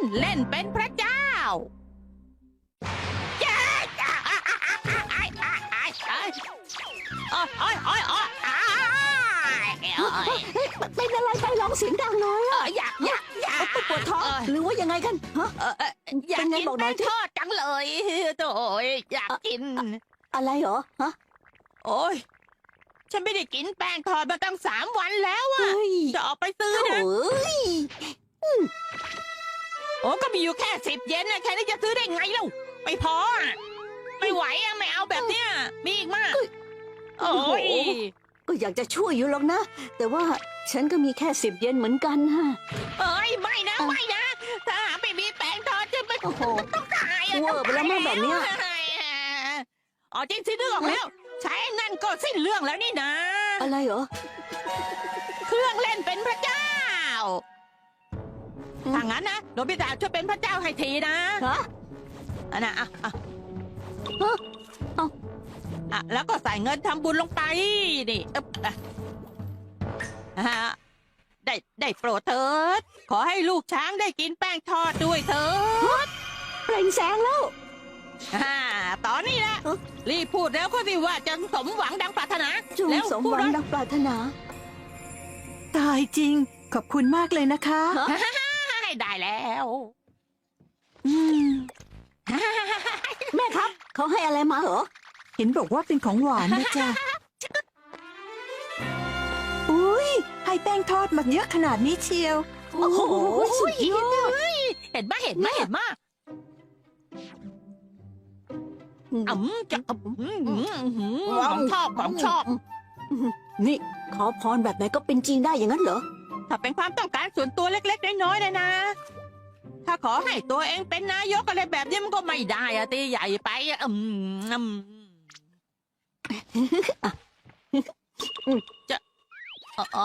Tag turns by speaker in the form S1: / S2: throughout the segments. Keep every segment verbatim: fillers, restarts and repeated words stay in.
S1: เล่นเป็นพระเจ้าจ้าจ้าอ้ายอ้ายอ้ายอ้ายอ้ายอ้ายอ้ายอ้ายอ้าย
S2: เป็นอะไรไปร้องเสียงดังเลยอะ
S1: อยากอยากอยาก
S2: ปวดท้องหรือว่ายังไงกันฮะ
S1: อยาก
S2: เป็นไง
S1: กิน
S2: บอกหน่
S1: แป้
S2: อย
S1: ง
S2: สิ
S1: ทอดจังเลยโถ่อยากกิน
S2: อะไรเหรอฮะ
S1: โอ้ยฉันไม่ได้กินแป้งทอดมาตั้งสามวันแล้วอะ
S2: เฮ้ย
S1: จะออกไปซื้อ
S2: โอ้
S1: นะ
S2: ย
S1: โอ้ก็มีอยู่แค่สิบเยนนะแค่นี้จะซื้อได้ไงเล่าไม่พออะไม่ไหวอะไม่เอาแบบเนี้ยมีอีกมากโอ้ย
S2: ก็อยากจะช่วยอยู่หรอกนะ แต่ว่าฉันก็มีแค่สิบเยนเหมือนกันฮะ
S1: เอ้ยไม่นะไม่นะถ้าหาไม่มีแป้งทอดจะไม่
S2: โอ้โห
S1: ต้องตายอะ
S2: เวอร์ไปแล้วมั้งแบบเนี้ย
S1: อ๋อจริงสินึกออกแล้ว ใช้นั่นก็สิ้นเรื่องแล้วนี่นะ
S2: อะไรเหรอ
S1: เครื่องเล่นเป็นพระเจ้า
S2: อืม
S1: ถ้างั้นนะโนบิตะช่วยเป็นพระเจ้าให้ทีนะ
S2: ฮะ
S1: อันน่ะอ่ะอ่ะ
S2: ฮะเอ้า
S1: อ่ะแล้วก็ใส่เงินทำบุญลงไปนี่อึ๊บอ่ะอ่ะได้ได้โปรดเถิด ขอให้ลูกช้างได้กินแป้งทอดด้วยเถิด
S2: เปล่งแสงแล้ว
S1: อ่าตอนนี้แหละ
S2: เอ้า
S1: รีบพูดแล้วก็สิว่าจะสมหวังดังปรารถนา
S2: จง
S1: แล้ว
S2: สม
S1: พู
S2: ห
S1: ด
S2: วัง
S1: เลย
S2: ดังปรารถนา
S3: ตายจริง ขอบคุณมากเลยนะคะ
S2: ฮะ
S1: ได้แล้ว
S3: อืม
S2: แม่ครับ เขาให้อะไรมาเหรอ
S3: เห็นบอกว่าเป็นของหวานนะจ๊ะ อุ้ยให้แป้งทอดมาเยอะขนาดนี้เชียว
S2: โอ้โหสุดยอด
S1: เห็นไหมเห็นไหมเห็นไหมอืมจะอืมอืมอืมของชอบของชอบ
S2: นี่ ขอพรแบบไหนก็เป็นจริงได้อย่างนั้นเหรอ
S1: ถ้าเป็นความต้องการส่วนตัวเล็กๆน้อยๆนะนะ ถ้าขอให้ตัวเองเป็นนายกอะไรแบบนี้มันก็ไม่ได้อะตีใหญ่ไปอะอืมอืมจะอ๋อ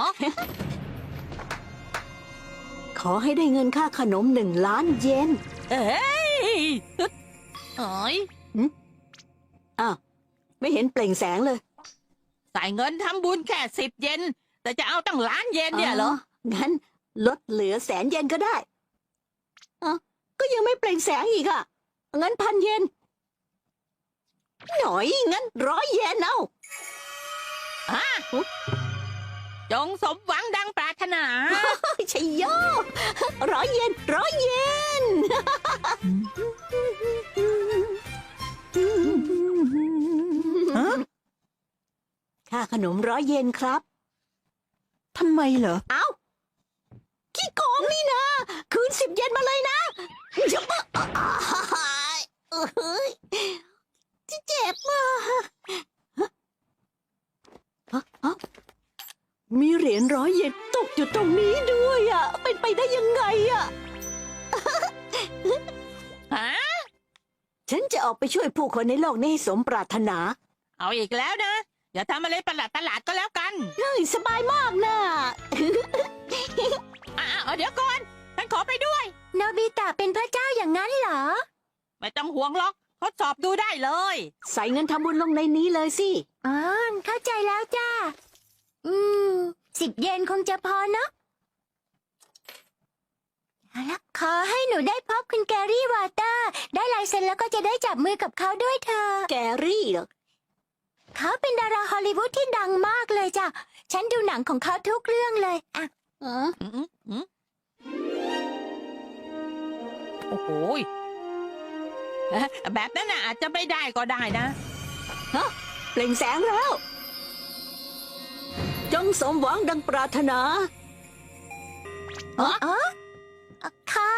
S2: ขอให้ได้เงินค่าขนมหนึ่งล้านเยน
S1: เอ้ยเอ้ย
S2: อ้าว ไม่เห็นเปล่งแสงเลย
S1: ใส่เงินทำบุญแค่สิบเยนแต่จะเอาตั้งล้านเยนเนี่ยเหรอ
S2: งั้นลดเหลือแสนเยนก็ได้อ่ะก็ยังไม่เปล่งแสงอีกอ่ะ งั้นพันเยน หน่อย งั้นร้อยเยนเอา
S1: ฮะจงสมหวังดังปรารถนา
S2: ชัยโยร้อยเยนร้อยเยน
S3: ฮะ
S2: ค่าขนมร้อยเยนครับ
S3: ทำไมเหรอ
S2: เอ้าขี้โกงนี่นะ คืนสิบเยนมาเลยนะเจ็บเฮ้ยเจ็บมากฮะฮะมีเหรียญร้อยเยนตกอยู่ตรงนี้ด้วยอ่ะ เป็นไปได้ยังไงอ่ะ
S1: ฮะ
S2: ฉันจะออกไปช่วยผู้คนในโลกนี้ให้สมปรารถนา
S1: เอาอีกแล้วนะ อย่าทำอะไรประหลาดประหลาดๆก็แล้วกัน
S2: เฮ้ยสบายมากนะ
S1: อ่าเดี๋ยวก่อน ฉันขอไปด้วย
S2: โนบิตะเป็นพระเจ้าอย่างนั้นเหรอ
S1: ไม่ต้องห่วงหรอกทดสอบดูได้เลย
S2: ใส่เงินทำบุญลงในนี้เลยสิ
S4: อ๋อเข้าใจแล้วจ้า อืม สิบเยนคงจะพอเนอะเอาละขอให้หนูได้พบคุณแกรี่วอเตอร์ ได้ลายเซ็นแล้วก็จะได้จับมือกับเขาด้วยเธอะ
S2: แกรี่เหรอ
S4: เขาเป็นดาราฮอลลีวูดที่ดังมากเลยจ้ะ ฉันดูหนังของเขาทุกเรื่องเลยอ่ะ
S2: อ๋อ
S1: อืมอืมโอ้โหยเอ๊ะแบบนั้นน่ะอาจจะไม่ได้ก็ได้นะ
S2: เปล่งแสงแล้ว จงสมหวังดังปรารถนา
S4: อ๋อค่ะ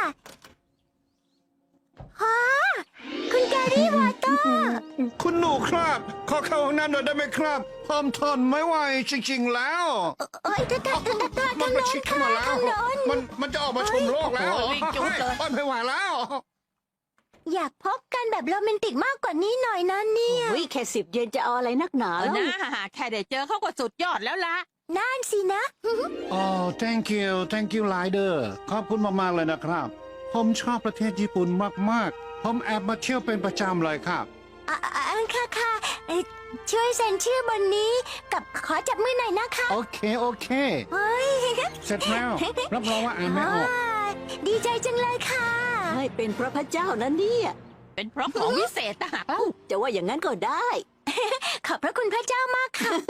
S4: ฮะคุณแกรี่วอเตอร์
S5: คุณหนูครับ ขอเข้าห้องน้ำหน่อยได้ไหมครับผมทนไม่ไหวจริงๆแล้ว
S4: เอ้ยถ้าถ้าถ้าถ้า
S5: มั
S4: ทาน ง
S5: มา
S4: โน้
S5: ชิ
S4: น
S5: ดเข้า
S4: ค่ะ
S5: มาแล้ว
S4: ทางโน้น
S5: มันมันจะออกมาชมโลกแล้ว
S1: โอ้โหวิ่งจุ๊บเลย
S5: ฮ้ไม่ไหวแล้ว
S4: อยากพบกันแบบโรแมนติกมากกว่านี้หน่อยนะเนี่ย
S2: โอ้ยแค่สิบเยนจะเอาอะไรนักหนา
S1: เออ
S2: แล้ว
S1: นะแค่ได้เจอเขาก็สุดยอดแล้วล่ะ
S4: นั่นสินะ
S5: โอ้ thank you thank you Rider ขอบคุณมากๆเลยนะครับ ผมชอบประเทศญี่ปุ่นมากๆ ผมแอบมาเที่ยวเป็นประจำเลยครับ
S4: อ่ะอ่ะอ่ะค่ะค่ะเอ่อช่วยเซ็นชื่อบนนี้กับขอจับมือหน่อยนะคะ
S5: โอเค โอเค
S4: เฮ้ย
S5: เสร็จแล้ว รับรองว่าอ่านไม่ออก
S4: อ่าดีดีใจจังเลยค่ะ
S2: ให้เป็นเพราะพระเจ้านะเนี่ย
S1: เป็นเพราะของวิเศษต่างหากเล่า
S2: จะว่าอย่างนั้นก็ได้
S4: ขอบพระคุณพระเจ้ามากค่ะ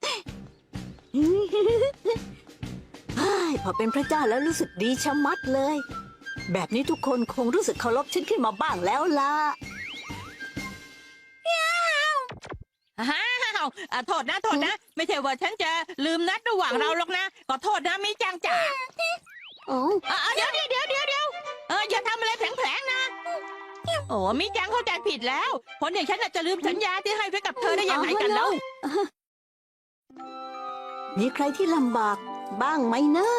S2: เฮ้ยพอเป็นพระเจ้าแล้วรู้สึกดีชะมัดเลย แบบนี้ทุกคนคงรู้สึกเคารพฉันขึ้นมาบ้างแล้วล่ะ
S1: อ้าวอ่ะโทษนะโทษนะ ไม่ใช่ว่าฉันจะลืมนัดระหว่างเราหรอกนะขอโทษนะมิจังจ๋า
S2: โอ้
S1: อ่ะอ่ะเดี๋ยวเดี๋ยวเดี๋ยวเดี๋ยวเดี๋ยวเอออย่าทำอะไรแผลงๆนะ โอ้มิจังเข้าใจผิดแล้วคนอย่างฉันน่ะจะลืมสัญญาที่ให้ไว้กับเธอได้ยังไงกันแล้ว
S2: มีใครที่ลำบากบ้างไหมนะ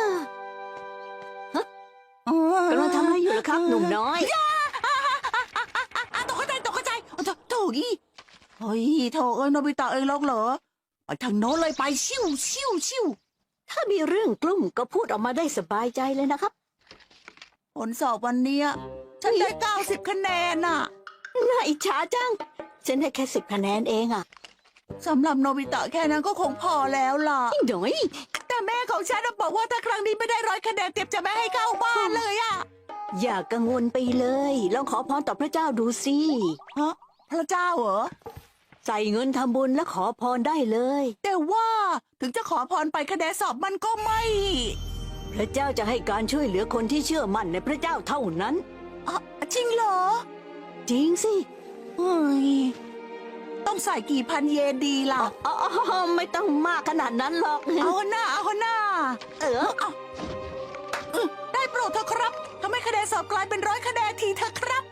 S2: กำลังทำอะไรอยู่ล่ะครับ หนุ่มน้อย
S3: ตกใจตกใจโถโถอีเฮ้ยโถเอ้ยโนบิตะเองลงเหรอไปทางโน้นเลยไปชิวชิวชิว
S2: ถ้ามีเรื่องกลุ่มก็พูดออกมาได้สบายใจเลยนะครับ
S3: ผลสอบวันเนี้ยฉันได้เก้าสิบคะแนนน่ะ
S2: น่าอิจฉาจัง ฉันได้แค่สิบคะแนนเองอ่ะ
S3: สำหรับโนบิตะแค่นั้นก็คงพอแล้วล่ะ
S2: หน่อย
S3: แต่แม่ของฉันน่ะบอกว่าถ้าครั้งนี้ไม่ได้ร้อยคะแนนเต็มจะไม่ให้เข้าบ้านเลยอะ
S2: อย่ากังวลไปเลย ลองขอพรต่อพระเจ้าดูสิ
S3: ฮะพระเจ้าเหรอ
S2: ใส่เงินทำบุญและขอพรได้เลย
S3: แต่ว่าถึงจะขอพรไปคะแนนสอบมันก็ไม่
S2: พระเจ้าจะให้การช่วยเหลือคนที่เชื่อมั่นในพระเจ้าเท่านั้น
S3: อ่ะจริงเหรอ
S2: จริงสิ
S3: เฮ้ยต้องใส่กี่พันเยนดีล่ะ
S2: อ๋ออ๋อไม่ต้องมากขนาดนั้นหรอก
S3: เอาหน้าเอาหน้า
S2: เออ
S3: เอาเออได้โปรดเถอะครับทำให้คะแนนสอบกลายเป็นร้อยคะแนนทีเถอะครับ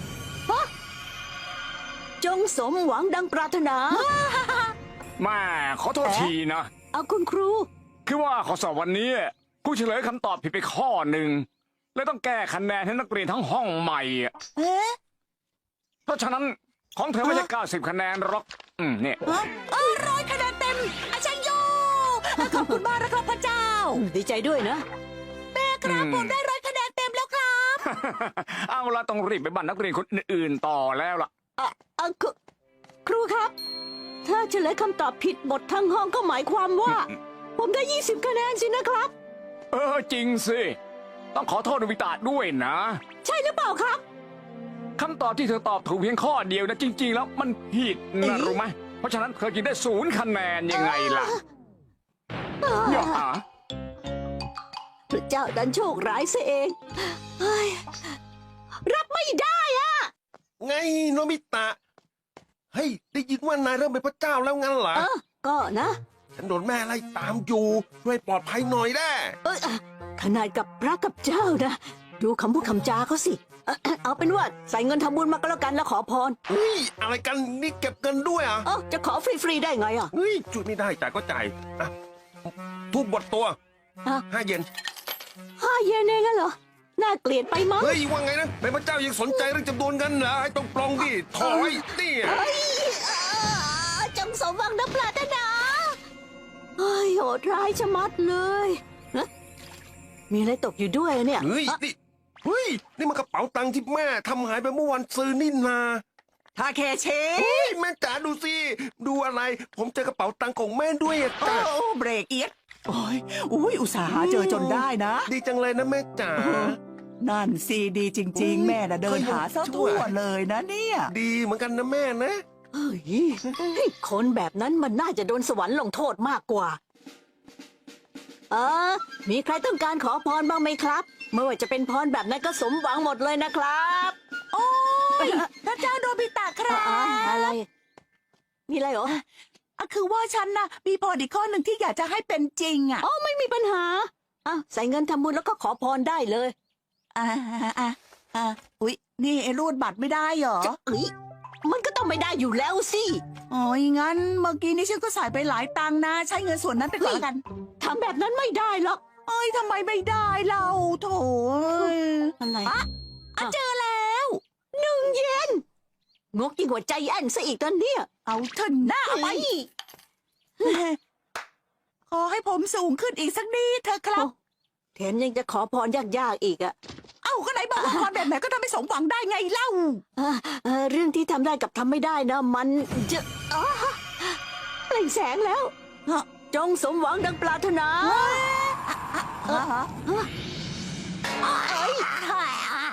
S2: จงสมหวังดังปรารถนา
S6: แม่ขอโทษทีนะ
S2: เอาคุณครู
S6: คือว่าข้อสอบวันนี้ครูเฉลยคำตอบผิดไปข้อหนึ่งเลยต้องแก้คะแนนให้นักเรียนทั้งห้องใหม่อะ
S3: เอ๊ะ
S6: เพราะฉะนั้นของเธอไม่ใช่เก้าสิบคะแนนหรอกอืมเนี่ย
S3: ฮะเออร้อยคะแนนเต็มอาชัยโยขอบคุณมากนะครับพระเจ้า
S2: ดีใจด้วยนะ
S3: แม่ครับผมได้ร้อยคะแนนเต็มแล้วครับ
S6: เอาละต้องรีบไปบ้านนักเรียนคนอื่นๆต่อแล้วล่ะ
S2: อ่ะอ่ะครูครูครับ ถ้าเฉลยคำตอบผิดหมดทั้งห้องก็หมายความว่า ผมได้ยี่สิบคะแนนสินะครับ
S6: เออจริงสิ ต้องขอโทษโนบิตะด้วยนะ
S2: ใช่หรือเปล่าครับ
S6: คำตอบที่เธอตอบถูกเพียงข้อเดียวนะจริง ๆ แล้วมันผิดนะรู้ไหมเพราะฉะนั้นเธอจึงได้ศูนย์คะแนนยังไงล่ะอย่าหา
S2: พระเจ้าดันโชคร้ายซะเองเฮ้ยรับไม่ได้อะ
S7: ไงโนบิตะ เฮ้ย ได้ยินว่านายเริ่มเป็นพระเจ้าแล้วงั้นเหรอ
S2: เออ ก็นะ
S7: ฉันโดนแม่ไล่ตามอยู่ ช่วยปลอดภัยหน่อยได้
S2: เอยอ่ะขนาดกับพระกับเจ้านะ ดูคำพูดคำจาเขาสิเอ่อเอาเป็นว่าใส่เงินทำบุญมาก็แล้วกันแล้วขอพร
S7: เฮ้ย อะไรกันนี่เก็บเงินด้วยอ่ะ
S2: เออจะขอฟรีๆได้ไงอ่ะ
S7: เฮ้ยจุดไม่ได้จ่ายก็จ่ายอ่ะทุบบทตัว
S2: อ่ะ
S7: ห้าเยน
S2: ห้าเยนเองอะเหรอ น่าเกลียดไปมั้ง
S7: เฮ้ย ว่าไงนะเป็นพระเจ้ายังสนใจเรื่องจำนวนเงินเหรอให้ต้องปลองดิถอยนี่
S2: เฮ้ยอ่าจงสมหวังดังปรารถนาเฮ้ยโหดร้ายชะมัดเลยฮะมีอะไรตกอยู่ด้วยเนี่ย
S7: เฮ้ย
S2: อ่ะ
S7: นี่ เฮ้ย นี่มันกระเป๋าตังค์ที่แม่ทำหายไปเมื่อวันซื้อนี่นา
S3: ทาเคเช
S7: เฮ้ย แม่จ๋าดูสิ ดูอะไร ผมเจอกระเป๋าตังค์ของแม่ด้วยอะ
S3: โอ้
S7: จ้ะ
S3: เบรกเอียดโอ้ยอุ้ยอุตส่าห์หาเจอจนได้นะ
S7: ดีจังเลยนะแม่จ๋า
S3: นั่นซีดีจริง ๆ แม่น่ะเดินหาซะทั่วเลยนะเนี่ย
S7: ดีเหมือนกันนะแม่นะ
S2: เฮ้ยคนแบบนั้นมันน่าจะโดนสวรรค์ลงโทษมากกว่า เออ มีใครต้องการขอพรบ้างไหมครับไม่ว่าจะเป็นพรแบบไหนั้นก็สมหวังหมดเลยนะครับ
S3: โอ้ยพระเจ้าโนบิตะครั
S2: อ่ะ
S3: บ
S2: อะไร มีอะไรเหรอ
S3: อ่ะคือว่าฉันนะมีพรอีกข้อหนึ่งที่อยากจะให้เป็นจริงอ่ะ
S2: อ๋อไม่มีปัญหาอ่ะใส่เงินทำบุญแล้วก็ขอพรได้เลย
S3: อ่าอ่าอ่าอุ๊ยนี่ไอ้รูดบัตรไม่ได้เหรอ
S2: จะเอ้ยมันก็ต้องไม่ได้อยู่แล้วสิ
S3: โอ้ยงั้นเมื่อกี้นี้ฉันก็ใส่ไปหลายตังค์นะ ใช้เงินส่วนนั้นไปก่อนละกัน
S2: ทำแบบนั้นไม่ได้หรอก
S3: เอ้ยทำไมไม่ได้เราโถเอ้ย
S2: อะไร
S3: อ่ะอ่ะเจอแล้ว
S2: หนึ่งเยนงกยิ่งกว่าใจแอนซะอีกตอนเนี้ย
S3: เอาเถอะหน้าไป
S2: เฮ้ย
S3: ขอให้ผมสูงขึ้นอีกสักนิดเถอะครับ
S2: แถมยังจะขอพรยากๆอีกอะ
S3: เอ้าก็ไหนบอกว่าพรแบบไหนก็ทำให้สมหวังได้ไงเล่า
S2: เอ่อเอ่อเรื่องที่ทำได้กับทำไม่ได้นะ มันจะอ๋อเปล่งแสงแล้ว
S3: ฮะ
S2: จงสมหวังดังปรารถนา
S3: ฮะ
S2: เอ้ย
S3: ฮ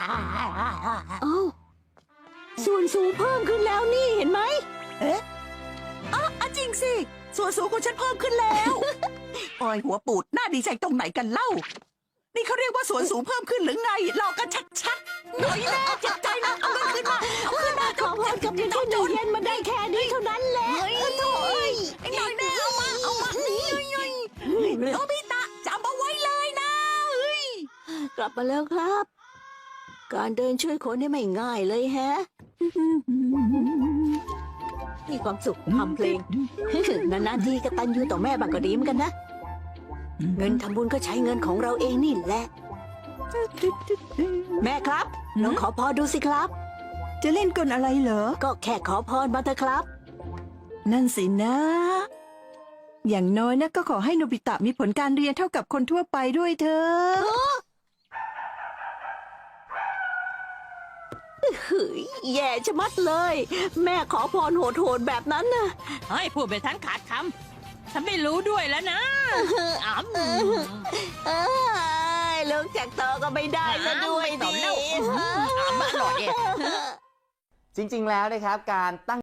S2: เอ้าส่วนสูงเพิ่มขึ้นแล้วนี่เห็นไหม
S3: เอ๊ะอ๋ออะจริงสิ ส่วนสูงของฉันเพิ่มขึ้นแล้ว โอ้ยหัวปูดน่าดีใจตรงไหนกันเล่า นี่เขาเรียกว่าส่วนสูงเพิ่มขึ้นหรือไงหลอกกันชัดๆหน่อยแน่เจ็บใจนะเอาเงินขึ้นมาเอาขึ้นมา
S2: ขอพรกับเพียงแค่หนึ่งเยนมาได้แค่นี้เท่านั้นแหละ
S3: เฮ้ยโถ่เอ้ยไอ้หน่อยแน่เอามาเอามานี่โนบิตะจำเอาไว้เลยนะเฮ้ย
S2: กลับมาแล้วครับ การเดินช่วยคนนี่ไม่ง่ายเลยแฮะ มีความสุขทำเพลง นานๆทีกตัญญูต่อแม่บางก็ดีเหมือนกันนะ เงินทำบุญก็ใช้เงินของเราเองนี่แหละ แม่ครับลองขอพรดูสิครับ
S3: จะเล่นกลอะไรเหรอ
S2: ก็แค่ขอพรมาเถอะครับ
S3: นั่นสินะ อย่างน้อยนะก็ขอให้โนบิตะมีผลการเรียนเท่ากับคนทั่วไปด้วยเถอะ
S2: เฮ้ยแย่ชะมัดเลย แม่ขอพรโหดๆแบบนั้นนะ
S1: เฮ้ยพูดไปทั้งขาดคำฉันไม่รู้ด้วยแล้วนะอ๋ำ
S2: เอ้ยลูกจากโตก็ไม่ได้ซะด้วย
S1: ต่อ
S2: ดิ
S1: แล้วอ๋ำอร่อยเนี่ย
S8: จริงๆ แล้วนะครับการตั้ง